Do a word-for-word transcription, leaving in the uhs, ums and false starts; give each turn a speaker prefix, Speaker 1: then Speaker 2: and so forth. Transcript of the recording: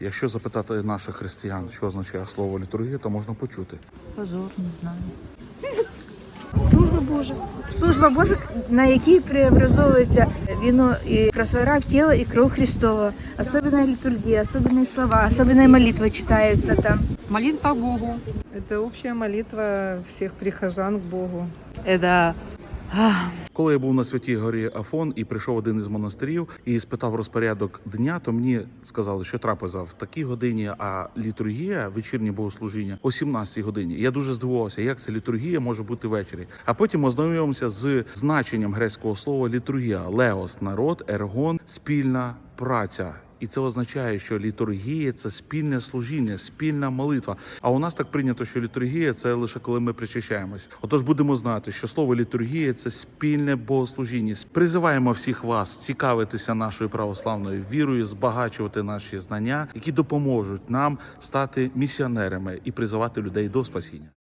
Speaker 1: Якщо запитати наших християн, що означає слово літургія, то можна почути.
Speaker 2: Позор, не знаю.
Speaker 3: Служба Божа. Служба Божа, на якій преобразовується вино и красота в тело и кровь Христова. Особенная литургия, особенные слова, особенная молитва читаются там.
Speaker 2: Молитва Богу.
Speaker 4: Это общая молитва всех прихожан к Богу.
Speaker 2: Это
Speaker 1: Коли я був на Святій горі Афон і прийшов один із монастирів і спитав розпорядок дня, то мені сказали, що трапеза в такій годині, а літургія, вечірнє богослужіння, о сімнадцятій годині. Я дуже здивувався, як це літургія може бути ввечері. А потім ознайомився з значенням грецького слова літургія. Леос – народ, ергон – спільна праця. І це означає, що літургія – це спільне служіння, спільна молитва. А у нас так прийнято, що літургія – це лише коли ми причащаємось. Отож будемо знати, що слово літургія – це спільне богослужіння. Призиваємо всіх вас цікавитися нашою православною вірою, збагачувати наші знання, які допоможуть нам стати місіонерами і призивати людей до спасіння.